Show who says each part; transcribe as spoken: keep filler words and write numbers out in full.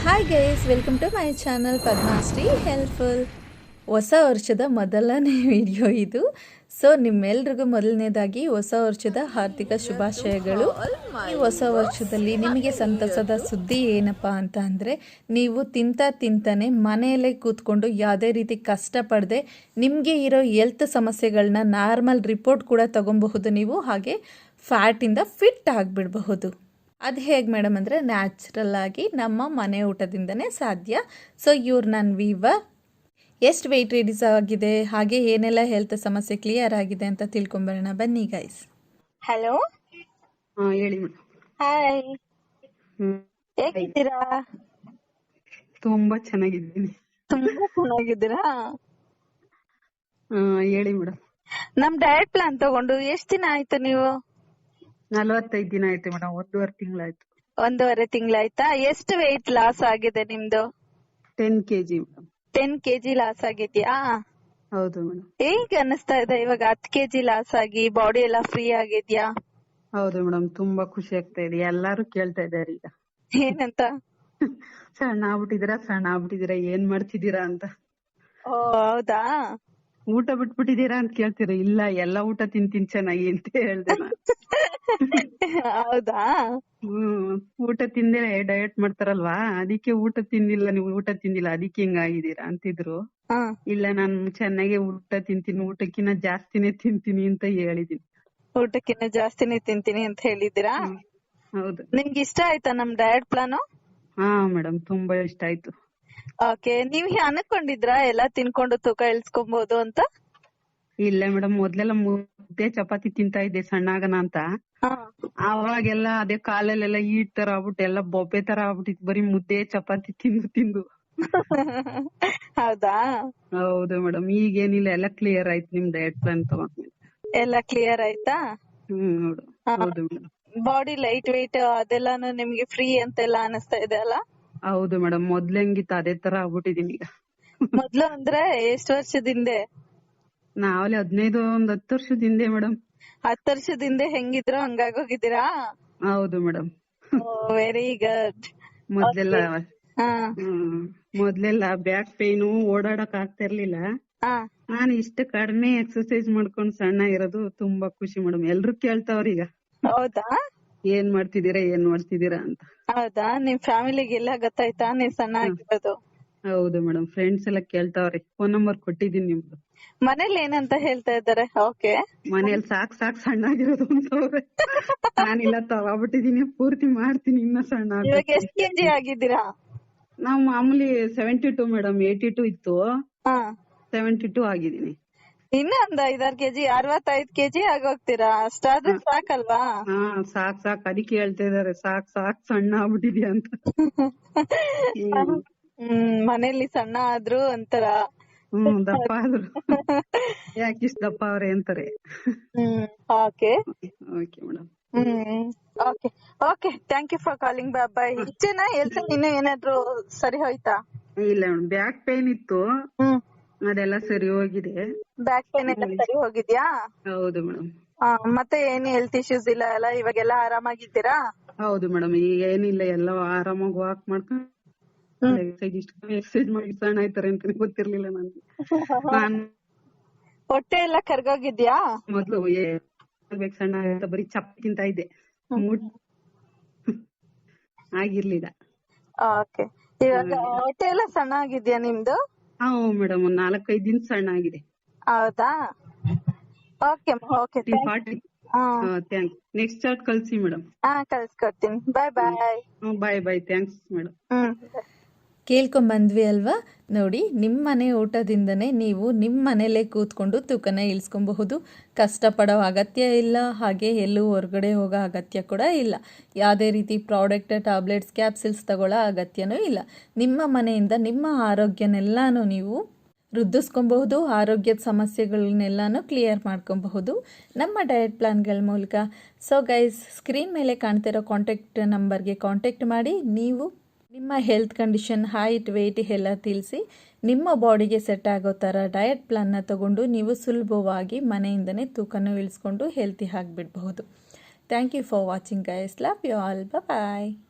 Speaker 1: Hi guys, welcome to my channel Padmashree helpful. ಹೊಸ ವರ್ಷದ ಮೊದಲನೇ ವಿಡಿಯೋ ಇದು. ಸೊ ನಿಮ್ಮೆಲ್ರಿಗೂ ಮೊದಲನೇದಾಗಿ ಹೊಸ ವರ್ಷದ ಹಾರ್ದಿಕ ಶುಭಾಶಯಗಳು. ಈ ಹೊಸ ವರ್ಷದಲ್ಲಿ ನಿಮಗೆ ಸಂತಸದ ಸುದ್ದಿ ಏನಪ್ಪ ಅಂತ ಅಂದರೆ, ನೀವು ತಿಂತ ತಿಂತಾನೆ ಮನೆಯಲ್ಲೇ ಕೂತ್ಕೊಂಡು ಯಾವುದೇ ರೀತಿ ಕಷ್ಟಪಡದೆ ನಿಮಗೆ ಇರೋ ಹೆಲ್ತ್ ಸಮಸ್ಯೆಗಳನ್ನ ನಾರ್ಮಲ್ ರಿಪೋರ್ಟ್ ಕೂಡ ತಗೊಬಹುದು ನೀವು. ಹಾಗೆ ಫ್ಯಾಟಿಂದ ಫಿಟ್ ಆಗಿಬಿಡಬಹುದು. ಅದು ಹೇಗೆ ಮೇಡಮ್ ಅಂದರೆ, ನ್ಯಾಚುರಲ್ ಆಗಿ ನಮ್ಮ ಮನೆ ಊಟದಿಂದನೇ ಸಾಧ್ಯ. ಸೊ ಇವ್ರು ನನ್ನ ವೀವರ್ ಎಷ್ಟು ವೆಯ್ಟ್ ರಿಡ್ಯೂಸ್ ಆಗಿದೆ, ಹಾಗೆ ಏನೆಲ್ಲ ಹೆಲ್ತ್ ಸಮಸ್ಯೆ ಕ್ಲಿಯರ್ ಆಗಿದೆ ಅಂತ ತಿಳ್ಕೊಂಬರೋಣ ಬನ್ನಿ ಗೈಸ್.
Speaker 2: ಹಲೋ,
Speaker 3: ಹಾ ಹೇಳಿ ಮೇಡಮ್.
Speaker 2: ಹಾಯ್,
Speaker 3: ಹ್ಮ್
Speaker 2: ಹೇಗಿದ್ದೀರಾ?
Speaker 3: ತುಂಬಾ ಚೆನ್ನಾಗಿದ್ದೀನಿ.
Speaker 2: ತುಂಬಾ ಚೆನ್ನಾಗಿದ್ದೀರಾ?
Speaker 3: ಹಾ ಹೇಳಿ ಮೇಡಮ್.
Speaker 2: ನಮ್ ಡಯಟ್ ಪ್ಲಾನ್ ತಗೊಂಡು ಎಷ್ಟ್ ದಿನ ಆಯ್ತು ನೀವು?
Speaker 3: ನಲವತ್ತೈದು ದಿನ ಆಯ್ತು ಮೇಡಮ್, ಒಂದೂವರೆ ತಿಂಗಳಾಯ್ತು.
Speaker 2: ಒಂದೂವರೆ ತಿಂಗಳಾಯ್ತಾ? ಎಷ್ಟು ವೆಯ್ಟ್ ಲಾಸ್ ಆಗಿದೆ ನಿಮ್ದು?
Speaker 3: Ten KG madam.
Speaker 2: Ten KG loss ಆಗಿದ್ಯಾ?
Speaker 3: ಹೌದು ಮೇಡಮ್.
Speaker 2: ಹೇಗ್ ಅನಿಸ್ತಾ ಇದೆ ಇವಾಗ ಹತ್ತು ಕೆಜಿ ಲಾಸ್ ಆಗಿ ಬಾಡಿ ಎಲ್ಲ ಫ್ರೀ ಆಗಿದ್ಯಾ?
Speaker 3: ಹೌದು ಮೇಡಮ್, ತುಂಬಾ ಖುಷಿ ಆಗ್ತಾ ಇದೆ. ಎಲ್ಲಾರು ಕೇಳ್ತಾ ಇದಾರೆ ಈಗ,
Speaker 2: ಏನಂತ?
Speaker 3: ಸಣ್ಣ ಆಗ್ಬಿಟ್ಟಿದೀರಾ ಸಣ್ಣ ಆಗ್ಬಿಟ್ಟಿದೀರಾ ಏನ್ ಮಾಡ್ತಿದ್ದೀರಾ ಅಂತ.
Speaker 2: ಓ ಹೌದಾ?
Speaker 3: ಊಟ ಬಿಟ್ಬಿಟ್ಟಿದೀರಾ ಅಂತ ಕೇಳ್ತೀರ. ಇಲ್ಲ, ಎಲ್ಲಾ ಊಟ ತಿಂತೀನಿ ಚೆನ್ನಾಗಿ ಅಂತ ಹೇಳ್ದೆ ನಾನು.
Speaker 2: ಹೌದಾ?
Speaker 3: ಹ್ಮ್ ಊಟ ತಿಂದೇ ಡಯಟ್ ಮಾಡ್ತಾರಲ್ವಾ, ಅದಕ್ಕೆ ಊಟ ತಿಂದಿಲ್ಲ ನೀವು ಊಟ ತಿಂದಿಲ್ಲ ಅದಕ್ಕೆ ಹಿಂಗಾಗಿದ್ದೀರಾ ಅಂತಿದ್ರು.
Speaker 2: ಹ.
Speaker 3: ಇಲ್ಲ, ನಾನು ಚೆನ್ನಾಗಿ ಊಟ ತಿಂತೀನಿ, ಊಟಕ್ಕಿಂತ ಜಾಸ್ತಿನೇ ತಿಂತೀನಿ ಅಂತ ಹೇಳಿದೀನಿ.
Speaker 2: ಊಟಕ್ಕಿಂತ ಜಾಸ್ತಿನೇ ತಿಂತೀನಿ ಅಂತ ಹೇಳಿದ್ದೀರಾ?
Speaker 3: ಹ್ಮ್. ಹೌದು.
Speaker 2: ನಿಮ್ಗೆ ಇಷ್ಟ ಆಯ್ತಾ ನಮ್ ಡಯಟ್ ಪ್ಲಾನ್?
Speaker 3: ಹಾ ಮೇಡಮ್, ತುಂಬಾ ಇಷ್ಟ ಆಯ್ತು.
Speaker 2: ಓಕೆ, ನೀವ್ ಅನ್ಕೊಂಡಿದ್ರಾ ಎಲ್ಲಾ ತಿನ್ಕೊಂಡು ತೂಕ ಇಳಿಸ್ಕೊಬಹುದು ಅಂತ?
Speaker 3: ಇಲ್ಲ ಮೇಡಮ್, ಮೊದ್ಲೆಲ್ಲ ಮುದ್ದೆ ಚಪಾತಿ ತಿಂತಾ ಇದ್ದೆ ಸಣ್ಣಾಗನ ಅಂತ.
Speaker 2: ಹಾ.
Speaker 3: ಅವಾಗೆಲ್ಲ ಅದೇ ಕಾಲಲ್ಲೆಲ್ಲ ಈಟ್ ತರ ಆಗ್ಬಿಟ್ಟು ಎಲ್ಲ ಬೊಬ್ಬೆ ತರ ಆಗ್ಬಿಟ್ಟಿತ್ತು, ಬರೀ ಮುದ್ದೆ ಚಪಾತಿ ತಿಂದು ತಿಂದು.
Speaker 2: ಹೌದಾ?
Speaker 3: ಹೌದು ಮೇಡಮ್, ಈಗೇನಿಲ್ಲ, ಎಲ್ಲ ಕ್ಲಿಯರ್ ಆಯ್ತು ನಿಮ್ ಡಯಟ್ ಪ್ಲಾನ್ ತಗೊಂಡ್ಮೇಲೆ.
Speaker 2: ಎಲ್ಲ ಕ್ಲಿಯರ್ ಆಯ್ತಾ?
Speaker 3: ಹ್ಮ್ ಹೌದು. ಹೌದು ಮೇಡಮ್.
Speaker 2: ಬಾಡಿ ಲೈಟ್ ವೆಯ್ಟ್ ಅದೆಲ್ಲಾನು ನಿಮ್ಗೆ ಫ್ರೀ ಅಂತೆಲ್ಲ ಅನಿಸ್ತಾ ಇದೆ ಅಲ್ಲ?
Speaker 3: ಹೌದು ಮೇಡಮ್, ಮೊದ್ಲಂಗಿತ್ತು ಅದೇ ತರ ಆಗ್ಬಿಟ್ಟಿದೀನಿ ಈಗ.
Speaker 2: ಮೊದ್ಲು ಅಂದ್ರೆ ಎಷ್ಟು ವರ್ಷದಿಂದ?
Speaker 3: ನಾವಲ್ಲಿ ಹದಿನೈದು ಒಂದ್ ಹತ್ತು ವರ್ಷದ ಹಿಂದೆ ಮೇಡಮ್.
Speaker 2: ಹತ್ತು ವರ್ಷದಿಂದ ಹೆಂಗಿದ್ರು ಹಂಗಾಗೋಗಿದ್ದೀರಾ?
Speaker 3: ಹೌದು ಮೇಡಮ್.
Speaker 2: Very good.
Speaker 3: ಮೊದ್ಲೆಲ್ಲ
Speaker 2: ಹಾ.
Speaker 3: ಹ್ಮ್ ಮೊದ್ಲೆಲ್ಲ ಬ್ಯಾಕ್ ಪೇನು, ಓಡಾಡಕ್ ಆಗ್ತಾ ಇರ್ಲಿಲ್ಲ.
Speaker 2: ಹಾ.
Speaker 3: ನಾನು ಇಷ್ಟ ಕಡಿಮೆ ಎಕ್ಸರ್ಸೈಸ್ ಮಾಡ್ಕೊಂಡ್ ಸಣ್ಣ ಇರೋದು ತುಂಬಾ ಖುಷಿ ಮೇಡಮ್. ಎಲ್ರು ಕೇಳ್ತಾವ್ರ ಈಗ,
Speaker 2: ಹೌದಾ?
Speaker 3: ಏನ್ ಮಾಡ್ತಿದೀರಾ ಏನ್ ಮಾಡ್ತಿದೀರಾ ಅಂತ.
Speaker 2: ಹೌದಾ? ನಿಮ್ ಫ್ಯಾಮಿಲಿಗೆಲ್ಲ ಗೊತ್ತಾಯ್ತಾ ನೀವ್ ಸಣ್ಣ ಆಗಿರೋದು?
Speaker 3: ಹೌದು ಮೇಡಮ್, ಫ್ರೆಂಡ್ಸ್ ಎಲ್ಲ ಕೇಳ್ತಾವ್ರಿ. ಫೋನ್ ನಂಬರ್ ಕೊಟ್ಟಿದೀನಿ ನಿಮ್ದು.
Speaker 2: ಮನೇಲಿ ಏನಂತ ಹೇಳ್ತಾ ಇದ್ದಾರೆ? ಓಕೆ.
Speaker 3: ಮನೇಲಿ ಸಾಕ್ ಸಾಕ್ ಸಣ್ಣ ಆಗಿರೋದು ಅಂತವ್ರೆ. ನಾನಿಲ್ಲ, ತಗೋಬಿಟ್ಟಿದೀನಿ, ಪೂರ್ತಿ ಮಾಡ್ತೀನಿ, ಇನ್ನ ಸಣ್ಣ
Speaker 2: ಇವಾಗ
Speaker 3: ಆಗ್ಬೇಕು.
Speaker 2: ಎಷ್ಟ್ ಕೆಜಿ ಆಗಿದ್ದೀರಾ?
Speaker 3: ನಾವ್ ಮಾಮೂಲಿ seventy two madam, eighty two ಇತ್ತು,
Speaker 2: ಹಾ.
Speaker 3: ಸೆವೆಂಟಿ ಟೂ ಆಗಿದೀನಿ.
Speaker 2: ಇನ್ನು ಒಂದ್ ಐದಾರು ಕೆಜಿ ಅರವತ್ತೈದು ಕೆಜಿ ಆಗೋಗ್ತೀರಾ? ಅಷ್ಟಾದ್ರೆ ಸಾಕಲ್ವಾ?
Speaker 3: ಹಾ ಸಾಕ್ ಸಾಕ್, ಅದಕ್ಕೆ ಹೇಳ್ತಾ ಇದಾರೆ, ಸಾಕ್ ಸಾಕ್ ಸಣ್ಣ ಆಗ್ಬಿಟ್ಟಿದ್ಯಾ ಅಂತ. ಹ್ಮ್
Speaker 2: ಹ್ಮ್ ಮನೇಲಿ ಸಣ್ಣ ಆದ್ರು ಒಂಥರ.
Speaker 3: ಹ್ಮ್ ದಪ್ಪ ಆದ್ರು ಯಾಕಿಷ್ಟು ದಪ್ಪ ಅವ್ರೆ ಅಂತಾರೆ.
Speaker 2: Hmm okay.
Speaker 3: Okay madam.
Speaker 2: Hmm okay okay, thank you for calling. Bye bye. ಇಷ್ಟೇನಾ ಹೆಲ್ತ್ ಇನ್ನು ಏನಾದ್ರು ಸರಿ ಹೋಯ್ತಾ?
Speaker 3: ಇಲ್ಲ ಮೇಡಮ್, ಬ್ಯಾಕ್ ಪೇನ್ ಇತ್ತು,
Speaker 2: ಹ್ಮ್.
Speaker 3: ಅದೆಲ್ಲ ಸರಿ ಹೋಗಿದೆ.
Speaker 2: ಬ್ಯಾಕ್ ಪೇನ್ ಎಲ್ಲ ಸರಿ ಹೋಗಿದ್ಯಾ?
Speaker 3: ಹೌದು ಮೇಡಮ್.
Speaker 2: ಮತ್ತೆ ಏನು ಹೆಲ್ತ್ ಇಶ್ಯೂಸ್ ಇಲ್ಲ ಅಲ್ಲ? ಇವಾಗೆಲ್ಲ ಆರಾಮಾಗಿದ್ದೀರಾ?
Speaker 3: ಹೌದು ಮೇಡಮ್, ಈಗ ಏನಿಲ್ಲ, ಎಲ್ಲ ಆರಾಮಾಗಿ ವಾಕ್ ಮಾಡ್ಕೊಂಡು ಎಕ್ಸರ್ಸೈಸ್ ಮಾಡಿ ಸಣ್ಣ ಆಯ್ತಾರೆ ಅಂತ ಗೊತ್ತಿರ್ಲಿಲ್ಲ ನನ್ಗೆ. ನಾನ್
Speaker 2: ಹೊಟ್ಟೆ ಎಲ್ಲ ಕರ್ಗೋಗಿದ್ಯಾ?
Speaker 3: ಮೊದ್ಲು ಬೇಕು ಸಣ್ಣ ಆಯ್ತಾ ಬರೀ ಚಪಾತಿ ತಿಂತಾ ಇದ್ದೆ, ಆಗಿರ್ಲಿಲ್ಲ.
Speaker 2: ಓಕೆ, ಇವಾಗ ಹೊಟ್ಟೆ ಎಲ್ಲ ಸಣ್ಣ ಆಗಿದ್ಯಾ ನಿಮ್ದು?
Speaker 3: ಹಾ ಮೇಡಮ್, ಒಂದ್ ನಾಲ್ಕೈದು ದಿನ ಸಣ್ಣ ಆಗಿದೆ.
Speaker 2: ಹೌದಾ? Okay okay,
Speaker 3: thanks. Next chart ಕಳ್ಸಿ ಮೇಡಮ್.
Speaker 2: ಹಾ ಕಳ್ಸ್ಕೊಡ್ತೀನಿ. ಬಾಯ್ ಬಾಯ್.
Speaker 3: ಬಾಯ್ ಬಾಯ್, ಥ್ಯಾಂಕ್ಸ್ ಮೇಡಮ್.
Speaker 2: ಹ್ಮ್.
Speaker 1: ಕೇಳ್ಕೊಂಬಂದ್ವಿ ಅಲ್ವಾ? ನೋಡಿ, ನಿಮ್ಮ ಮನೆ ಊಟದಿಂದನೇ ನೀವು ನಿಮ್ಮ ಮನೇಲೇ ಕೂತ್ಕೊಂಡು ತೂಕನ ಇಳಿಸ್ಕೊಬಹುದು. ಕಷ್ಟಪಡೋ ಅಗತ್ಯ ಇಲ್ಲ, ಹಾಗೆ ಎಲ್ಲೂ ಹೊರಗಡೆ ಹೋಗೋ ಅಗತ್ಯ ಕೂಡ ಇಲ್ಲ. ಯಾವುದೇ ರೀತಿ ಪ್ರಾಡಕ್ಟ್, ಟ್ಯಾಬ್ಲೆಟ್ಸ್, ಕ್ಯಾಪ್ಸಿಲ್ಸ್ ತಗೊಳ್ಳೋ ಅಗತ್ಯನೂ ಇಲ್ಲ. ನಿಮ್ಮ ಮನೆಯಿಂದ ನಿಮ್ಮ ಆರೋಗ್ಯನೆಲ್ಲಾನು ನೀವು ವೃದ್ಧಿಸ್ಕೊಬಹುದು, ಆರೋಗ್ಯದ ಸಮಸ್ಯೆಗಳನ್ನೆಲ್ಲನೂ ಕ್ಲಿಯರ್ ಮಾಡ್ಕೊಬಹುದು ನಮ್ಮ ಡಯಟ್ ಪ್ಲಾನ್ಗಳ ಮೂಲಕ. ಸೊ ಗೈಸ್, ಸ್ಕ್ರೀನ್ ಮೇಲೆ ಕಾಣ್ತಿರೋ ಕಾಂಟ್ಯಾಕ್ಟ್ ನಂಬರ್ಗೆ ಕಾಂಟ್ಯಾಕ್ಟ್ ಮಾಡಿ ನೀವು ನಿಮ್ಮ ಹೆಲ್ತ್ ಕಂಡೀಷನ್, ಹೈಟ್, ವೆಯ್ಟ್ ಎಲ್ಲ ತಿಳಿಸಿ ನಿಮ್ಮ ಬಾಡಿಗೆ ಸೆಟ್ ಆಗೋ ಥರ ಡಯಟ್ ಪ್ಲಾನ್ನ ತಗೊಂಡು ನೀವು ಸುಲಭವಾಗಿ ಮನೆಯಿಂದನೇ ತೂಕನ ಇಳಿಸ್ಕೊಂಡು ಹೆಲ್ತಿ ಆಗಿಬಿಡಬಹುದು. Thank you for watching guys. Love you all. Bye.